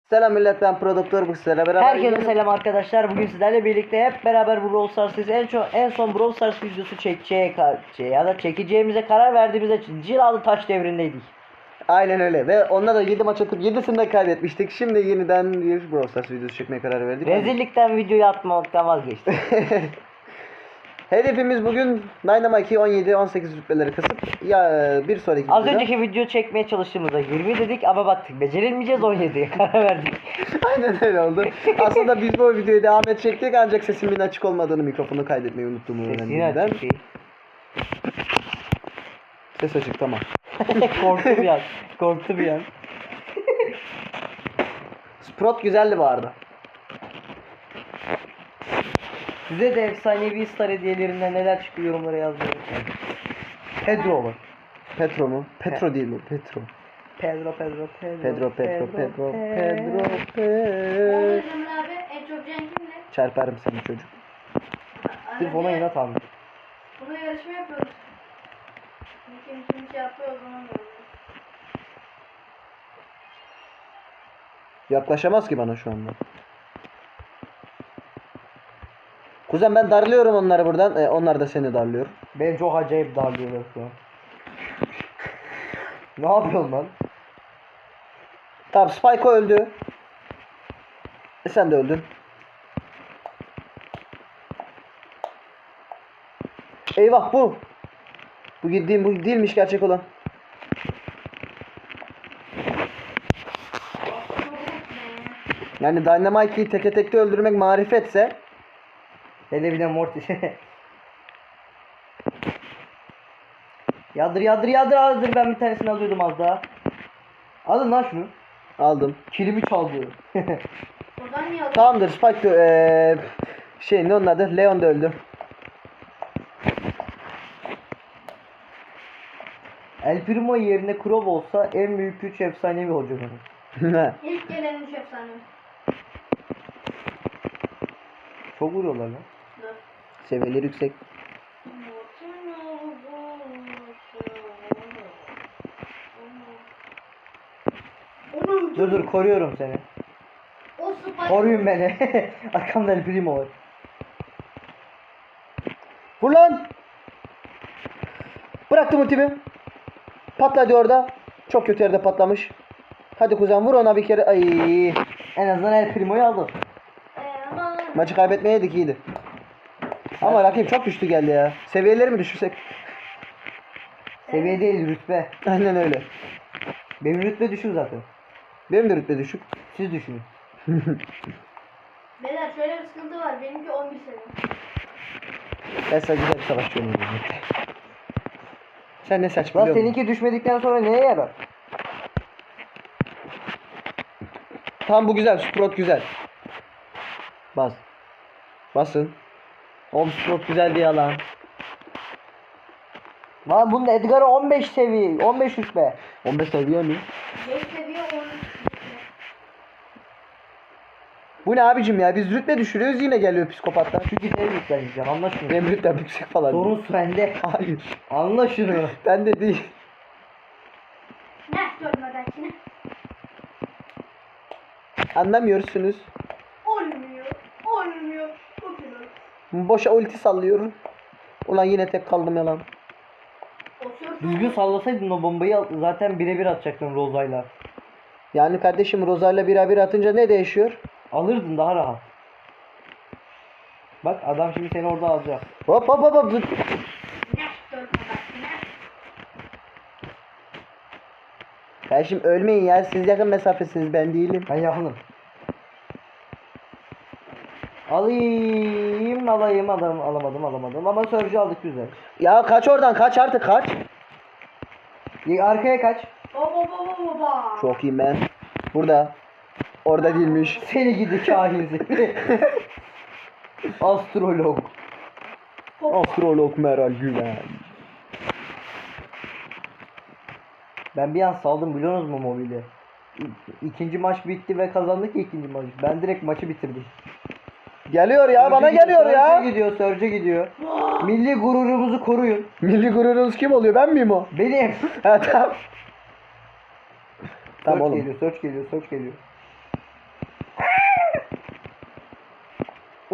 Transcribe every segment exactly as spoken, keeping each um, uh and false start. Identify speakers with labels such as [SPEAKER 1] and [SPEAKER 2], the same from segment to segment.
[SPEAKER 1] Selam millet, ben prodüktör, bu sizlerle beraber.
[SPEAKER 2] Herkese selam arkadaşlar. Bugün sizlerle birlikte hep beraber bu Brawl Stars'ız. En çok en son Brawl Stars videosu çekeceğe şey ya da çekeceğimize karar verdiğimizde Cilalı Taş devrindeydik.
[SPEAKER 1] Aynen öyle ve onunla da yedi maç atıp yedisini de kaybetmiştik. Şimdi yeniden bir Brawl Stars videosu çekmeye karar verdik.
[SPEAKER 2] Rezillikten videoyu atmaktan vazgeçtik.
[SPEAKER 1] Hedefimiz bugün Dynamite'i on yedi on sekiz rütbeleri kasıp ya bir sonraki
[SPEAKER 2] Az
[SPEAKER 1] videoda...
[SPEAKER 2] önceki video çekmeye çalıştığımızda yirmi dedik ama baktık becerilmeyeceğiz, on yediye karar verdik.
[SPEAKER 1] Aynen öyle oldu. Aslında biz bu videoyu devam edecektik ancak sesimin açık olmadığını, mikrofonu kaydetmeyi unuttum.
[SPEAKER 2] Sesini açık değil.
[SPEAKER 1] Ses açık, tamam.
[SPEAKER 2] Korktu bir an. Korktu bir an.
[SPEAKER 1] Sprout güzeldi bu arada.
[SPEAKER 2] Size de efsanevi star hediyelerinden neler çıkıyor yorumlara yazmayı unutmayın. Pedro var.
[SPEAKER 1] Petro mu? Petro değil mi? Petro.
[SPEAKER 2] Pedro, Pedro, Pedro.
[SPEAKER 1] Pedro, Pedro, Pedro, Pedro,
[SPEAKER 3] Oğlum
[SPEAKER 1] Pedro.
[SPEAKER 3] Emre abi en çok can kimle?
[SPEAKER 1] Çarparım seni çocuk.
[SPEAKER 2] Sırf ona inat almış.
[SPEAKER 3] Bunu yarışma yapıyoruz. Kim kim şey yapıyor o zaman görürüz.
[SPEAKER 1] Yaklaşamaz ki bana şu anda. Kuzen, ben darlıyorum onları buradan. E, onlar da seni darlıyor.
[SPEAKER 2] Beni çok acayip darlıyorlar şu an. Ne yapıyorsun lan?
[SPEAKER 1] Tamam, Spike öldü. E, sen de öldün. Eyvah, bu. Bu gittiğim bu değilmiş gerçek olan. Yani Dynamite'i teke tekte öldürmek marifetse.
[SPEAKER 2] Hele bir de Mortis. Yadır yadır yadır yadır, ben bir tanesini alıyordum az daha. Alın lan şunu.
[SPEAKER 1] Aldım.
[SPEAKER 2] Kilimi çaldı.
[SPEAKER 3] Oradan niye aldın?
[SPEAKER 1] Tamamdır, Spike de, eee, şey ne onun adı? Leon da öldü.
[SPEAKER 2] El Primo yerine Crow olsa en büyük güç efsanevi olacak onun.
[SPEAKER 3] İlk gelen üç efsane.
[SPEAKER 2] Çok vuruyorlar lan.
[SPEAKER 3] Dur.
[SPEAKER 1] Seviyeleri yüksek.
[SPEAKER 3] Onu
[SPEAKER 2] Dur dur, koruyorum seni.
[SPEAKER 3] O Spike.
[SPEAKER 2] Koruyun beni. Arkamda El Primo var.
[SPEAKER 1] Vur lan! Bıraktım ultimi. Patladı orada. Çok kötü yerde patlamış. Hadi kuzen, vur ona bir kere. Ay.
[SPEAKER 2] En azından El Primo'yu aldım.
[SPEAKER 3] Ee, ama
[SPEAKER 1] Maçı kaybetmeyeydik, iyiydi. Ama rakip çok güçlü geldi ya. Seviyeleri mi düşürsek?
[SPEAKER 2] Seviye değil, rütbe.
[SPEAKER 1] Aynen öyle.
[SPEAKER 2] Benim rütbe düşük zaten.
[SPEAKER 1] Benim de rütbe düşük.
[SPEAKER 2] Siz düşünün.
[SPEAKER 3] beyler şöyle bir sıkıntı var. Benimki on bir seviye.
[SPEAKER 1] Ben sadece güzel bir savaşçı oynuyorum. Sen ne saç
[SPEAKER 2] Lan
[SPEAKER 1] biliyor musun?
[SPEAKER 2] seninki düşmedikten sonra neye yarar?
[SPEAKER 1] Tamam, bu güzel. Sprout güzel. Bas. Basın. Oğlum, Sprout güzel diye lan.
[SPEAKER 2] Lan bunun Edgar'ı on beş seviye, on beş rütbe.
[SPEAKER 1] on beş seviye mi?
[SPEAKER 3] beş seviye on üç.
[SPEAKER 1] Bu ne abicim ya? Biz rütbe düşürüyoruz, yine geliyor psikopatlar.
[SPEAKER 2] Çünkü seni yükleneceğim, anla şunu.
[SPEAKER 1] Benim rütbem yüksek falan.
[SPEAKER 2] Sorun sende.
[SPEAKER 1] Hayır.
[SPEAKER 2] Anla şunu.
[SPEAKER 1] Ben de değil.
[SPEAKER 3] Ne görmedekine?
[SPEAKER 1] Anlamıyorsunuz.
[SPEAKER 3] Olmuyor. Olmuyor. Çok güzel.
[SPEAKER 1] Boşa ulti sallıyorum. Ulan yine tek kaldım yalan.
[SPEAKER 3] O söz
[SPEAKER 2] Düzgün sallasaydın o bombayı al- zaten birebir atacaktın Roza'yla.
[SPEAKER 1] Yani kardeşim, Roza'yla birebir atınca ne değişiyor?
[SPEAKER 2] Alırdın daha rahat. Bak adam şimdi seni orada alacak.
[SPEAKER 1] Hop hop hop hop.
[SPEAKER 3] ne görmedekine?
[SPEAKER 1] Kardeşim ölmeyin ya. Siz yakın mesafesiniz, ben değilim.
[SPEAKER 2] Ben yakınım. Alayım alayım adam alamadım alamadım ama Surge'ü aldık güzel.
[SPEAKER 1] Ya kaç oradan, kaç artık, kaç.
[SPEAKER 2] Y- Arkaya kaç.
[SPEAKER 3] Baba baba baba.
[SPEAKER 1] Çok iyiyim ben. Burada. Orada değilmiş.
[SPEAKER 2] Seni gidi kahin seni. Astrolog.
[SPEAKER 1] Astrolog Meral Güven.
[SPEAKER 2] Ben bir an saldım, biliyorsunuz mu mobili? İ- İkinci maç bitti ve kazandık ya ikinci maç. Ben direkt maçı bitirdim.
[SPEAKER 1] Geliyor ya, bana
[SPEAKER 2] Surge'e
[SPEAKER 1] geliyor
[SPEAKER 2] gidiyor,
[SPEAKER 1] ya.
[SPEAKER 2] Surge'e gidiyor, Surge'e gidiyor. Milli gururumuzu koruyun.
[SPEAKER 1] Milli gururunuz kim oluyor, ben miyim o?
[SPEAKER 2] Benim.
[SPEAKER 1] Ha, tamam. Tamam
[SPEAKER 2] Surge
[SPEAKER 1] oğlum.
[SPEAKER 2] geliyor, Surge geliyor, Surge geliyor.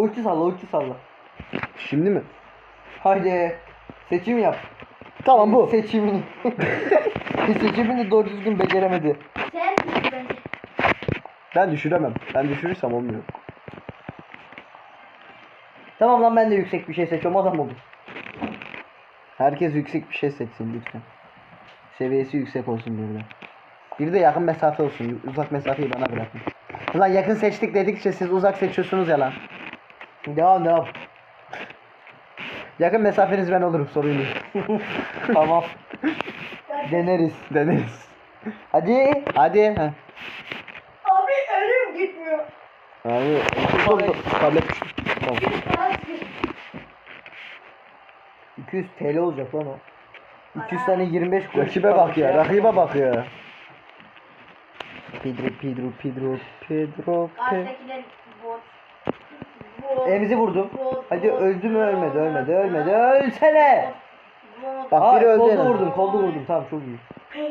[SPEAKER 2] Ulti salla ulti salla.
[SPEAKER 1] Şimdi mi?
[SPEAKER 2] Haydi. Seçim yap.
[SPEAKER 1] Tamam bu.
[SPEAKER 2] Seçimini. Seçimini doğru düzgün beceremedi.
[SPEAKER 3] Sen düşün bence.
[SPEAKER 1] Ben düşüremem. Ben düşürürsem olmuyor.
[SPEAKER 2] Tamam lan ben de yüksek bir şey seçiyorum adam olur.
[SPEAKER 1] Herkes yüksek bir şey seçsin lütfen. Seviyesi yüksek olsun bir de. Bir de yakın mesafe olsun. Uzak mesafeyi bana bırakın. Ulan yakın seçtik dedikçe siz uzak seçiyorsunuz ya lan.
[SPEAKER 2] Devam devam.
[SPEAKER 1] Yakın mesafeniz ben olurum, sorun değil.
[SPEAKER 2] Tamam. Deneriz.
[SPEAKER 1] Deneriz.
[SPEAKER 2] Hadi.
[SPEAKER 1] Hadi. Heh.
[SPEAKER 3] Abi ölüm gitmiyor.
[SPEAKER 1] Abi oldu. Tablet düştü. Tamam.
[SPEAKER 3] Bir saat git.
[SPEAKER 2] iki yüz T L olacak lan o. iki yüz tane yirmi beş kuruş.
[SPEAKER 1] Rakibe bak ya, rakibe bak ya.
[SPEAKER 2] Pedro Pedro Pedro Pedro Pedro.
[SPEAKER 3] Karşıdakiler bot. Bot.
[SPEAKER 2] Emzi vurdum.
[SPEAKER 3] Bot,
[SPEAKER 2] Hadi
[SPEAKER 3] bot,
[SPEAKER 2] öldü mü ölmedi
[SPEAKER 3] bot,
[SPEAKER 2] ölmedi
[SPEAKER 3] bot,
[SPEAKER 2] ölmedi ölsene.
[SPEAKER 3] bot.
[SPEAKER 1] Bak
[SPEAKER 2] Aa,
[SPEAKER 1] biri öldü. en
[SPEAKER 2] kolda
[SPEAKER 1] azından.
[SPEAKER 2] vurdum kolda vurdum tamam çok iyi.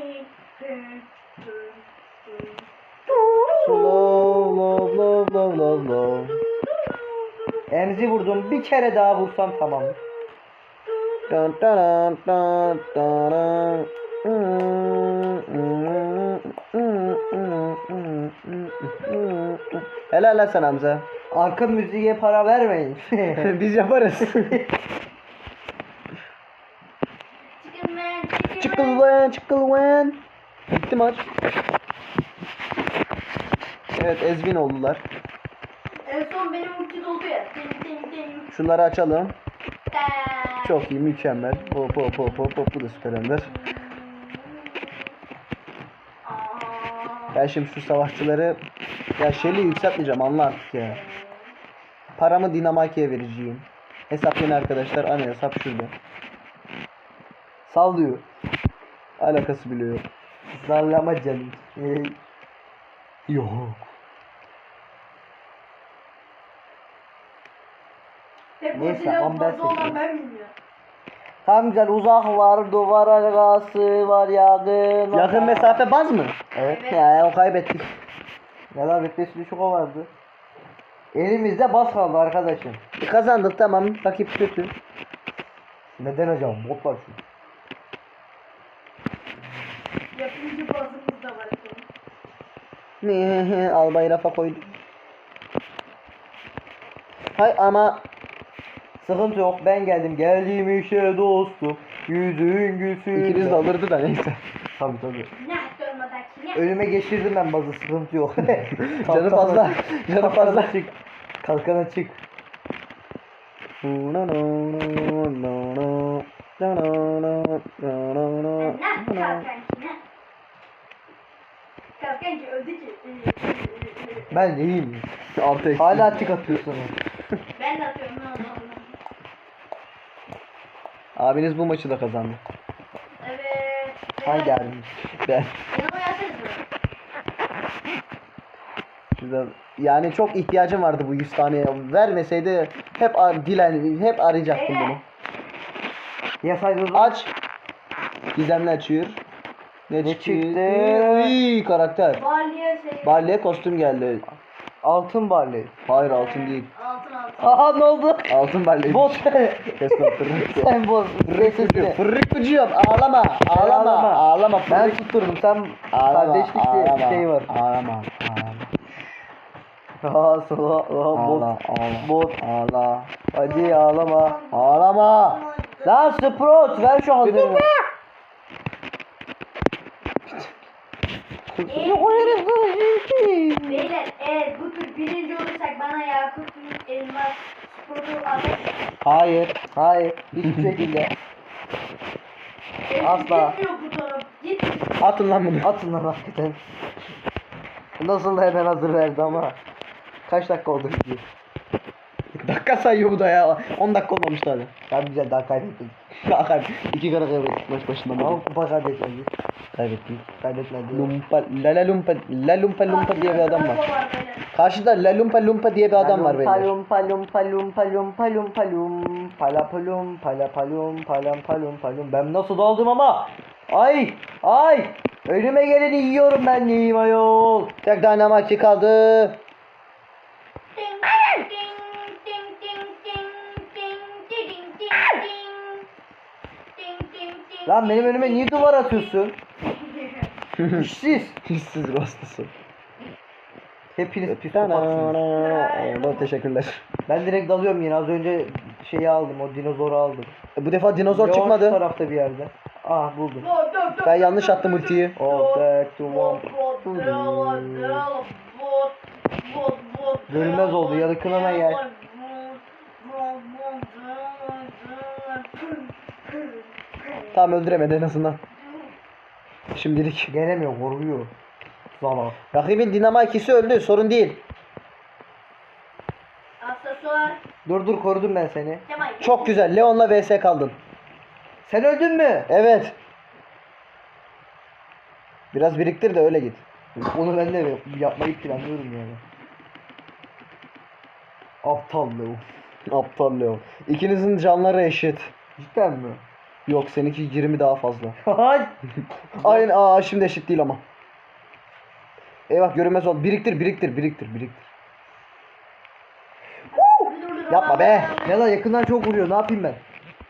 [SPEAKER 1] Slow, low, low, low, low, low.
[SPEAKER 2] Emzi vurdum bir kere daha vursam tamam.
[SPEAKER 1] Dun, dun, dun, dun, dun. Helal lan sana Hamza.
[SPEAKER 2] Arka müziğe para vermeyin.
[SPEAKER 1] Biz yaparız.
[SPEAKER 3] Chicken man, chicken
[SPEAKER 1] Çıkıl
[SPEAKER 3] man.
[SPEAKER 1] lan, çıkıl lan. Bitti maç. Evet, ezgin oldular.
[SPEAKER 3] En son benim ulti doldu ya. Ding ding ding.
[SPEAKER 1] Şunları açalım.
[SPEAKER 3] Ta.
[SPEAKER 1] Çok iyi, mükemmel. Hop hop hop hop hop, bu da süper ender.
[SPEAKER 3] Aa.
[SPEAKER 1] Ben şimdi şu savaşçıları, ya Shelly'i yükseltmeyeceğim, anla artık ya. Paramı Dinamaki'ye vereceğim. Hesaplayın arkadaşlar, ana hesap şurada.
[SPEAKER 2] Sallıyor.
[SPEAKER 1] Alakası bile yok.
[SPEAKER 2] Sallama canım. Ee,
[SPEAKER 1] Yok.
[SPEAKER 3] Hep
[SPEAKER 2] Neyse,
[SPEAKER 3] Godzilla
[SPEAKER 2] Amber
[SPEAKER 3] fazla olan
[SPEAKER 2] seçiyorum.
[SPEAKER 3] ben bilmiyorum.
[SPEAKER 2] Tam güzel uzak var duvar arkası var yakın.
[SPEAKER 1] Yakın
[SPEAKER 2] var.
[SPEAKER 1] mesafe baz mı?
[SPEAKER 2] Evet.
[SPEAKER 3] Evet.
[SPEAKER 1] Ya o kaybettik.
[SPEAKER 2] Neler beklesi düşük o vardı. Elimizde bas kaldı arkadaşım.
[SPEAKER 1] Kazandık, tamam, rakip kötü.
[SPEAKER 2] Neden hocam? Bot var çünkü.
[SPEAKER 3] Yapımcı bazımız da var efendim.
[SPEAKER 1] Ne Albayı rafa koyduk. Hay ama
[SPEAKER 2] Sıkıntı yok ben geldim geldiğim işe dostum. Yüzün gülsün.
[SPEAKER 1] ikiniz de alırdı da neyse.
[SPEAKER 2] Tabii tabii.
[SPEAKER 3] Ne durmadaki ne?
[SPEAKER 2] Ölüme geçirdim ben bazı sıkıntı yok.
[SPEAKER 1] Canı fazla. Canı fazla.
[SPEAKER 2] Çık. Kalkana çık.
[SPEAKER 3] Ne kalkancı ne? Kalkancı öldü ki.
[SPEAKER 2] Ben iyiyim.
[SPEAKER 1] Altı eksi.
[SPEAKER 2] Hala tık atıyorsun.
[SPEAKER 3] Ben de atıyorum. Ne oldu?
[SPEAKER 1] Abiniz bu maçı da kazandı.
[SPEAKER 3] Evet.
[SPEAKER 2] Hangi abimiz?
[SPEAKER 1] Ben.
[SPEAKER 3] Yanıma gelseniz mi?
[SPEAKER 1] Şurada, yani çok ihtiyacım vardı bu yüz taneye. Vermeseydi hep ar dilen hep arayacaktım bunu.
[SPEAKER 2] Yasaydın.
[SPEAKER 1] Aç. Gizemli açıyor. Ne,
[SPEAKER 2] Ne
[SPEAKER 1] çıktı?
[SPEAKER 2] çıktı?
[SPEAKER 1] Uy, karakter.
[SPEAKER 3] Balya şey.
[SPEAKER 1] Balye kostüm geldi.
[SPEAKER 2] Altın barley.
[SPEAKER 1] Hayır, altın değil.
[SPEAKER 3] Altın altın.
[SPEAKER 2] Aha ne oldu?
[SPEAKER 1] Altın balye.
[SPEAKER 2] Bot.
[SPEAKER 1] Kesme fırrık.
[SPEAKER 2] Sen bot. Sesini.
[SPEAKER 1] Fırrık bıcıyım. Ağlama. Ağlama.
[SPEAKER 2] Ağlama.
[SPEAKER 1] Ağlama.
[SPEAKER 2] Ben
[SPEAKER 1] Fırrık.
[SPEAKER 2] tutturdum sen
[SPEAKER 1] Ağlama.
[SPEAKER 2] kardeşlik diye bir
[SPEAKER 1] ağlama,
[SPEAKER 2] şey var.
[SPEAKER 1] Ağlama. Ağlama.
[SPEAKER 2] Aa sana aa,
[SPEAKER 1] Ağla.
[SPEAKER 2] bot.
[SPEAKER 1] Ağla.
[SPEAKER 2] Bot.
[SPEAKER 1] Ağla.
[SPEAKER 2] Hadi ağlama.
[SPEAKER 1] Ağlama.
[SPEAKER 2] Lan Sprout ver şu hazırını.
[SPEAKER 3] Beyler eğer bu tür birinci olursak bana Yakup Elmas Spor'u alır.
[SPEAKER 1] Hayır.
[SPEAKER 2] Hayır hiçbir şekilde. Asla.
[SPEAKER 3] Gitmiyor bu taraf. Git.
[SPEAKER 1] Atın lan bunu.
[SPEAKER 2] Atın lan hakikaten. Nasıl da hemen hazır verdi ama. Kaç dakika oldu video?
[SPEAKER 1] Dakika sayıyor bu da ya. on dakika olmamış daha.
[SPEAKER 2] Daha güzel daha kaybettik.
[SPEAKER 1] Bakar. İki kere kaybettik maç başından beri.
[SPEAKER 2] Ama kupa kaybetmedik.
[SPEAKER 1] Kaybettik.
[SPEAKER 2] Kaybetmedi.
[SPEAKER 1] Lumpa, la la lumpa, la lumpa lumpa diye bir adam var.
[SPEAKER 3] Bravo beyler.
[SPEAKER 1] Karşıda la lumpa lumpa diye bir adam var beyler.
[SPEAKER 2] Palum palum palum palum palum palum pala palum pala palum palam palum palum. Ben nasıl daldım ama? Ay ay önüme geleni yiyorum ben neyim ayol.
[SPEAKER 1] Tek Dynamite kaldı.
[SPEAKER 3] Ding ding ding
[SPEAKER 2] Lan benim önüme niye duvar atıyorsun? İşsiz.
[SPEAKER 1] Hissiz rastası.
[SPEAKER 2] Hepiniz psikopatsınız.
[SPEAKER 1] Eyvallah, teşekkürler.
[SPEAKER 2] Ben direkt dalıyorum yine. Az önce şeyi aldım. O dinozoru aldım.
[SPEAKER 1] E, Bu defa dinozor
[SPEAKER 2] Leon şu
[SPEAKER 1] çıkmadı.
[SPEAKER 2] tarafta bir yerde. Ah buldum.
[SPEAKER 1] Ben yanlış attım ultiyi.
[SPEAKER 2] Oh back to one. Görünmez oldu, yakınına gel.
[SPEAKER 1] Tamam, öldüremedi en azından. Şimdilik.
[SPEAKER 2] Gelemiyor, korkuyor. Zala.
[SPEAKER 1] Rakibin Dinamo ikisi öldü, sorun değil.
[SPEAKER 3] Aksesuar.
[SPEAKER 2] Dur dur, korudum ben seni.
[SPEAKER 3] Kemal.
[SPEAKER 1] Çok güzel, Leon'la vs kaldın.
[SPEAKER 2] Sen öldün mü?
[SPEAKER 1] Evet. Biraz biriktir de öyle git.
[SPEAKER 2] Onu ben de yapmayı planlıyorum yani. Aptal Leo.
[SPEAKER 1] Aptal Leon. İkinizin canları eşit.
[SPEAKER 2] Cidden mi?
[SPEAKER 1] Yok, seninki yirmi daha fazla.
[SPEAKER 2] Hay.
[SPEAKER 1] Aynen, aa şimdi eşit değil ama. Eyvah, görünmez ol. Biriktir, biriktir, biriktir, biriktir. Yapma be.
[SPEAKER 2] Ya da yakından çok vuruyor. Ne yapayım ben?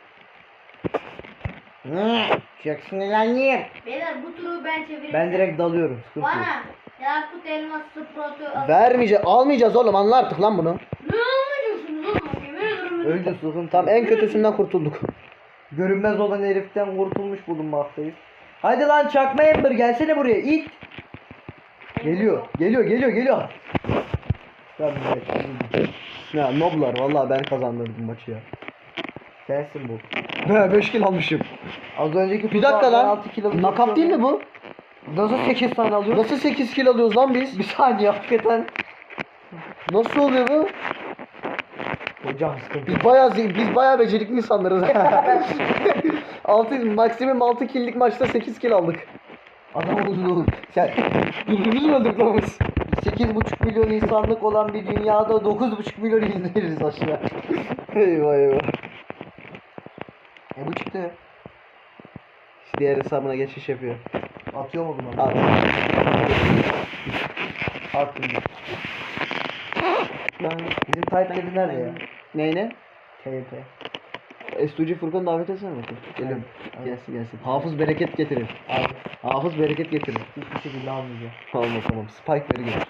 [SPEAKER 2] Çok sinirlendim.
[SPEAKER 3] Beyler bu turu ben çeviririm.
[SPEAKER 2] Ben direkt dalıyorum. Sıkıntı yok.
[SPEAKER 3] Bana Yakut elmas sprotu.
[SPEAKER 1] Vermeyeceğiz, almayacağız oğlum, anla artık lan bunu.
[SPEAKER 3] Ne anlıyorsunuz oğlum? Yemin ederim.
[SPEAKER 2] Öldü sıkıntı.
[SPEAKER 1] Tamam, en kötüsünden kurtulduk.
[SPEAKER 2] Görünmez olan heriften kurtulmuş bulunmaktayız. Hadi lan çakma Ember, gelsene buraya, it. Geliyor, geliyor, geliyor, geliyor. Tamam, evet.
[SPEAKER 1] Ya noblar, vallahi ben kazandırdım maçı ya.
[SPEAKER 2] Sensin bu.
[SPEAKER 1] He, beş kill almışım.
[SPEAKER 2] Az önceki
[SPEAKER 1] Bir dakika lan.
[SPEAKER 2] altı kilo
[SPEAKER 1] Nakap değil mi bu?
[SPEAKER 2] Nasıl sekiz tane alıyoruz?
[SPEAKER 1] Nasıl sekiz kill alıyoruz lan biz?
[SPEAKER 2] Bir saniye hakikaten.
[SPEAKER 1] Nasıl oluyor bu?
[SPEAKER 2] Hocam sıkıntı.
[SPEAKER 1] Biz bayağı zi- biz bayağı becerikli insanlarız. altı maksimum altı kill'lik maçta sekiz kill aldık.
[SPEAKER 2] Adam oldu oğlum.
[SPEAKER 1] Sen birbirimizi mi öldürdük lan biz?
[SPEAKER 2] sekiz buçuk milyon insanlık olan bir dünyada dokuz buçuk milyon izleriz aşağı.
[SPEAKER 1] Eyvah eyvah.
[SPEAKER 2] E bu çıktı.
[SPEAKER 1] Diğer hesabına geçiş yapıyor.
[SPEAKER 2] Atıyor mu bunu?
[SPEAKER 1] At.
[SPEAKER 2] Attım. Bizim Tayyip dedi nerede ya?
[SPEAKER 1] Neyine?
[SPEAKER 2] T Y P.
[SPEAKER 1] Estuci Furkan davet etsene bakayım. Geliyorum.
[SPEAKER 2] Evet.
[SPEAKER 1] Gelsin gelsin. Hafız bereket getirir.
[SPEAKER 2] Abi
[SPEAKER 1] Hafız bereket getirir.
[SPEAKER 2] hiçbir şekilde almayacağım.
[SPEAKER 1] Tamam tamam. Spike veri getir.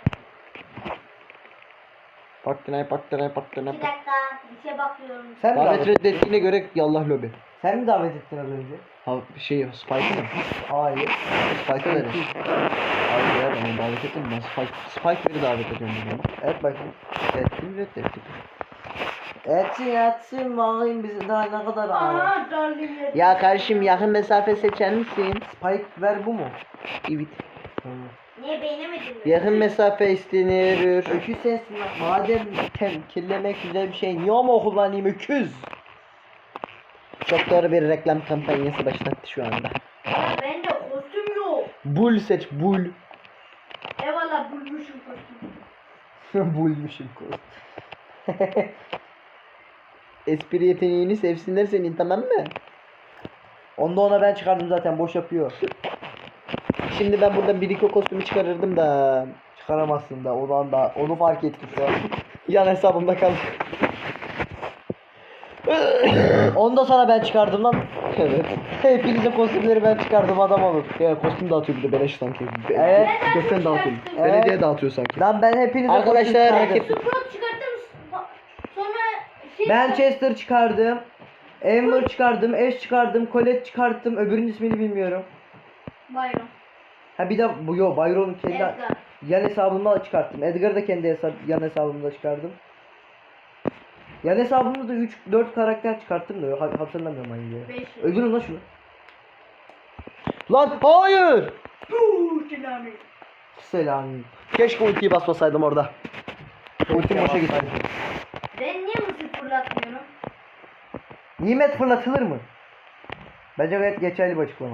[SPEAKER 1] Paktinay paktinay paktinay.
[SPEAKER 3] Bir dakika bir şey bakıyorum.
[SPEAKER 2] Sen mi
[SPEAKER 1] Davet
[SPEAKER 2] davet,
[SPEAKER 1] reddettiğine göre yallah lobi.
[SPEAKER 2] sen mi davet ettin az önce?
[SPEAKER 1] Ha şey Spike'ı mı?
[SPEAKER 2] Hayır.
[SPEAKER 1] Spike'ı verin. Hayır ya, ben onu davet ettim. Ben Spike, Spike veri davet ediyorum bunu.
[SPEAKER 2] Evet bakayım.
[SPEAKER 1] Ettim reddettik.
[SPEAKER 2] Etsin etsin bakayım bizi daha ne kadar ağır.
[SPEAKER 3] Aa darlayayım.
[SPEAKER 1] Ya kardeşim, yakın mesafe seçer misin?
[SPEAKER 2] Spike ver bu mu?
[SPEAKER 1] Evet.
[SPEAKER 3] Niye beğenemedin mi?
[SPEAKER 1] Yakın mesafe istenir.
[SPEAKER 2] Öküz sensin lan. Madem temkillemek güzel bir şey niye ama kullanayım öküz?
[SPEAKER 1] Çok doğru bir reklam kampanyası başlattı şu anda.
[SPEAKER 3] Ya bende kostüm yok.
[SPEAKER 1] Bull seç, bull.
[SPEAKER 3] Eyvallah bulmuşum kostümü.
[SPEAKER 2] Bulmuşum kız.
[SPEAKER 1] Espri yeteneğini sevsinler senin, tamam mı?
[SPEAKER 2] Onu da ona ben çıkardım zaten, boş yapıyor.
[SPEAKER 1] Şimdi ben burada Biriko kostümü çıkarırdım da
[SPEAKER 2] Çıkaramazsın da ondan da onu fark ettim şu an.
[SPEAKER 1] yan hesabımda kaldı.
[SPEAKER 2] Onu da sana ben çıkardım lan.
[SPEAKER 1] Evet.
[SPEAKER 2] Hepinizin kostümleri ben çıkardım, adam olun.
[SPEAKER 1] Ya kostüm dağıtıyor bir de beleş sanki. Be-
[SPEAKER 2] Evet.
[SPEAKER 1] Gökten dağıtıyor.
[SPEAKER 2] Evet.
[SPEAKER 1] Belediye dağıtıyor sanki.
[SPEAKER 2] Lan ben hepinize
[SPEAKER 1] Arkadaşlar,
[SPEAKER 2] kostüm çıkardım.
[SPEAKER 1] rakip-
[SPEAKER 3] Sprot çıkarttım. Sonra şey
[SPEAKER 2] Ben Chester çıkardım. Ember çıkardım, Ash çıkardım, Colette çıkarttım. Öbürünün ismini bilmiyorum.
[SPEAKER 3] Bayram.
[SPEAKER 2] Ha bir de bu yo Byron'un kendi
[SPEAKER 3] Edgar.
[SPEAKER 2] yan hesabımda çıkarttım. Edgar'ı da kendi hesap yan hesabımda çıkardım. Yan hesabımda da üç dört karakter çıkarttım da ha- hatırlamıyorum hangi.
[SPEAKER 3] Beş.
[SPEAKER 2] Öldürün lan şunu.
[SPEAKER 1] Lan hayır.
[SPEAKER 3] Puuu Selami.
[SPEAKER 2] Selam.
[SPEAKER 1] Keşke ultiyi basmasaydım orada. Ultim boşa gitti.
[SPEAKER 3] Ben niye mısır fırlatmıyorum?
[SPEAKER 2] Nimet fırlatılır mı? Bence gayet geçerli bir açıklama.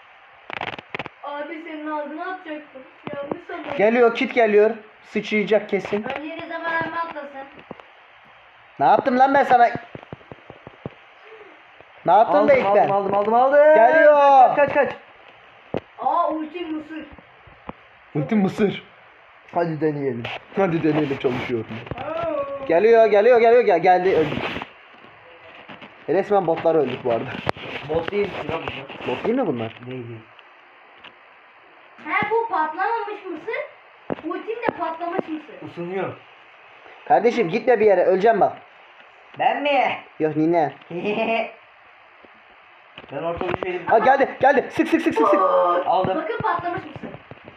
[SPEAKER 3] Abi senin ağzına atacaktım. Yanlış sanırım.
[SPEAKER 1] Geliyor, kit geliyor. Sıçrayacak kesin.
[SPEAKER 3] Önce de zaman alma atlasın.
[SPEAKER 1] Ne yaptım lan ben sana? Ne yaptın da
[SPEAKER 2] Aldım
[SPEAKER 1] ilk
[SPEAKER 2] aldım,
[SPEAKER 1] ben?
[SPEAKER 2] aldım aldım aldım.
[SPEAKER 1] Geliyor.
[SPEAKER 2] Kaç kaç kaç.
[SPEAKER 3] Aa ulti mısır.
[SPEAKER 1] Ultim mısır.
[SPEAKER 2] Hadi deneyelim.
[SPEAKER 1] Hadi deneyelim, çalışıyor.
[SPEAKER 3] Aa.
[SPEAKER 1] Geliyor, geliyor, geliyor, gel geldi, öldük. Resmen botlar öldük bu arada.
[SPEAKER 2] Bot değil ki lan bunlar.
[SPEAKER 1] Bot değil mi bunlar?
[SPEAKER 2] Değil değil.
[SPEAKER 3] He bu patlamamış mısır. Ultim de patlamış mısır.
[SPEAKER 2] Isınıyor.
[SPEAKER 1] Kardeşim gitme bir yere öleceğim bak.
[SPEAKER 2] Ben mi?
[SPEAKER 1] Yok nine.
[SPEAKER 2] Ben orta bir şeyim.
[SPEAKER 1] Ha geldi geldi sık sık sık sık sık.
[SPEAKER 2] Aldım.
[SPEAKER 3] Bakın patlamış mısır.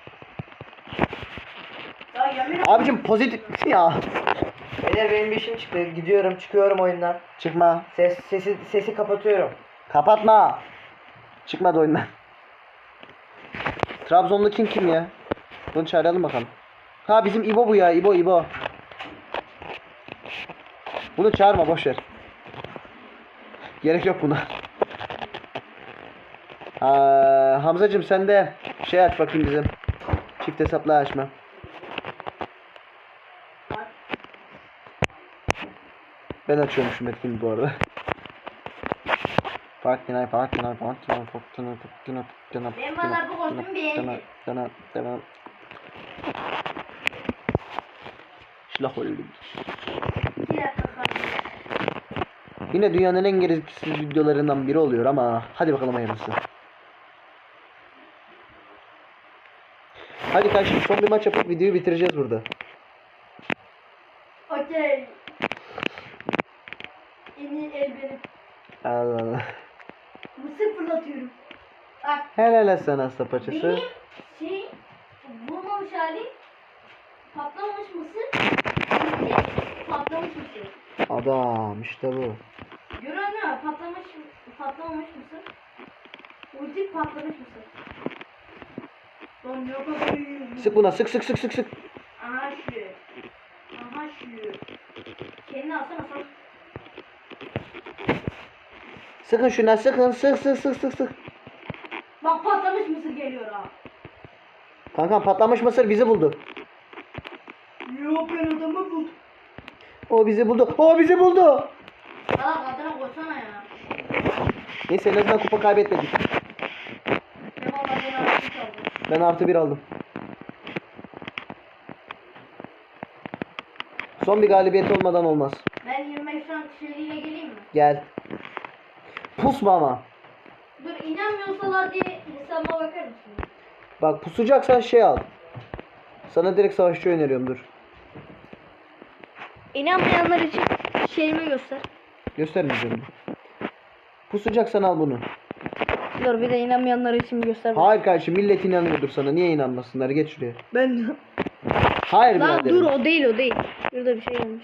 [SPEAKER 3] Ya yemin
[SPEAKER 1] Abicim pozitif ya.
[SPEAKER 2] Beyler benim bir işim çıktı. Gidiyorum çıkıyorum oyundan.
[SPEAKER 1] Çıkma.
[SPEAKER 2] Ses sesi sesi kapatıyorum.
[SPEAKER 1] Kapatma. Çıkmadı oyundan. Trabzonlu kim kim ya? Bunu çağıralım bakalım. Ha bizim İbo bu ya İbo İbo. Bunu çağırma boş ver. Gerek yok buna. Aa, Hamzacığım sen de şey aç bakayım bizim. Çift hesapla açma. Ben açıyormuşum etkini bu arada. Parkinay, parkinay, parkinay, parkinay, parkinay, parkinay,
[SPEAKER 3] Ben valla bu kostümü beğendim.
[SPEAKER 1] Sana, sana. Şlah öldüm.
[SPEAKER 3] Bir dakika kaldı.
[SPEAKER 1] Yine dünyanın en gereksiz videolarından biri oluyor ama hadi bakalım hayırlısı. Hadi kardeşim son bir maç yapıp videoyu bitireceğiz burada.
[SPEAKER 3] Okey. En iyi el benim.
[SPEAKER 1] Allah Allah.
[SPEAKER 3] Mısır fırlatıyorum. Bak
[SPEAKER 1] Helal sana sapaçısı.
[SPEAKER 3] benim şey vurmamış halim patlamamış mısır. Ultim patlamış mısır.
[SPEAKER 1] Adam işte bu.
[SPEAKER 3] Görüyor musun? Patlamış, patlamamış mısır. Ultim patlamış mısır. Lan ne kadar iyi.
[SPEAKER 1] Sık buna sık sık sık sık sık.
[SPEAKER 3] Aha şu. Aha şu. Kendini alsana sen.
[SPEAKER 1] Sıkın şuna sıkın sık sık sık sık sık.
[SPEAKER 3] Bak patlamış mısır geliyor ha.
[SPEAKER 1] Kankam patlamış mısır bizi buldu.
[SPEAKER 3] Yok ben adamı buldum.
[SPEAKER 1] O bizi buldu. O bizi buldu.
[SPEAKER 3] Salak adına koysana ya.
[SPEAKER 1] Neyse en azından kupa kaybetmedik.
[SPEAKER 3] Ben valla beni artık aldım.
[SPEAKER 1] Ben artı bir aldım. Son bir galibiyet olmadan olmaz.
[SPEAKER 3] Ben yirmi beş rank şeyiyle geleyim mi?
[SPEAKER 1] Gel. Pusma ama.
[SPEAKER 3] Dur inanmıyorsalar diye hesabıma bakar mısın?
[SPEAKER 1] Bak pusacaksan şey al. Sana direkt savaşçı öneriyorum dur.
[SPEAKER 3] İnanmayanlar için şeyimi göster.
[SPEAKER 1] Göstermeyeceğim. Pusacaksan al bunu.
[SPEAKER 3] Dur bir de inanmayanlar için göster.
[SPEAKER 1] Hayır kardeşim millet inanıyordur sana. Niye inanmasınlar? Geç şuraya.
[SPEAKER 3] Ben...
[SPEAKER 1] Hayır
[SPEAKER 3] Lan
[SPEAKER 1] biraderim.
[SPEAKER 3] dur o değil o değil. Şurada bir şey gelmiş.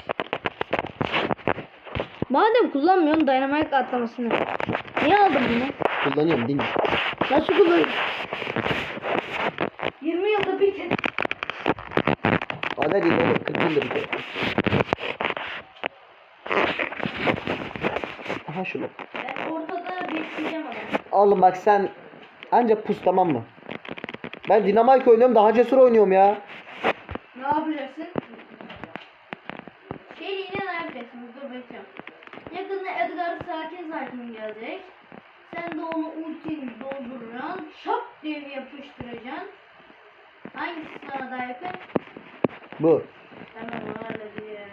[SPEAKER 3] Madem kullanmıyorsun dynamite atlamasını. Niye aldın bunu?
[SPEAKER 1] Kullanıyorum değil mi?
[SPEAKER 3] Nasıl kullanıyorsun? yirmi yılda bir kez.
[SPEAKER 1] Ada değil oğlum. kırk yıldır bir kere. Aha şunu.
[SPEAKER 3] Ben ortada bekleyeceğim adamı.
[SPEAKER 1] Oğlum bak sen ancak pus tamam mı? Ben Dynamite oynuyorum daha cesur oynuyorum ya.
[SPEAKER 3] Ne yapacaksın? Şeyliğine ne yapacaksın? Dur bekliyorum. Yakında Edgar sakin sakin gelecek. Sen de onu ultini dolduracaksın. Şap diye yapıştıracaksın. Hangisi sana daha yakın?
[SPEAKER 1] Bu.
[SPEAKER 3] Hemen ona da diyeyim.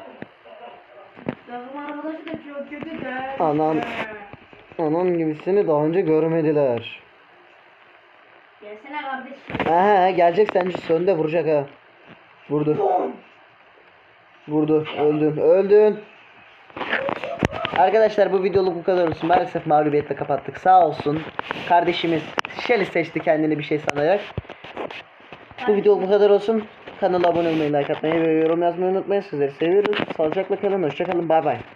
[SPEAKER 3] Takım arkadaşı da çok kötü der.
[SPEAKER 1] Anam. Onun gibisini daha önce görmediler.
[SPEAKER 3] Gelsene kardeşim.
[SPEAKER 1] Aha gelecek sence sonunda vuracak ha. Vurdu. Vurdu. Öldün. Öldün. Arkadaşlar bu videoluk bu kadar olsun. Maalesef mağlubiyetle kapattık. Sağ olsun. Kardeşimiz Shelly seçti kendini bir şey sanarak. Bu videoluk bu kadar olsun. Kanala abone olmayı, like atmayı ve yorum yazmayı unutmayın. Sizleri seviyoruz. Sağlıcakla kalın. Hoşça kalın. Bay bay.